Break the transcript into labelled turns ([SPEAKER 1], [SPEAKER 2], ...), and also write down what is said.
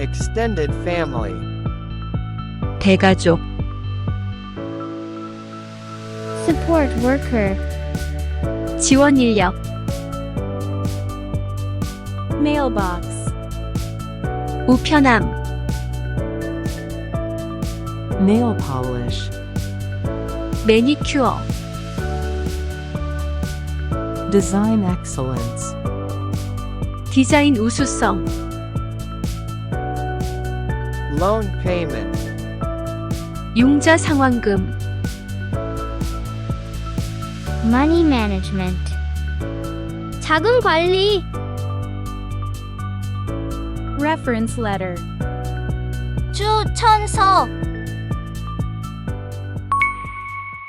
[SPEAKER 1] extended family.
[SPEAKER 2] 대가족,
[SPEAKER 3] Support worker.
[SPEAKER 2] 지원 인력,
[SPEAKER 4] Mailbox.
[SPEAKER 2] 우편함,
[SPEAKER 5] Nail polish.
[SPEAKER 2] 매니큐어,
[SPEAKER 5] Design excellence.
[SPEAKER 2] 디자인 우수성,
[SPEAKER 1] Loan payment.
[SPEAKER 2] 융자 상환금,
[SPEAKER 3] Money management. 자금 관리.
[SPEAKER 4] Reference letter.
[SPEAKER 3] 추천서.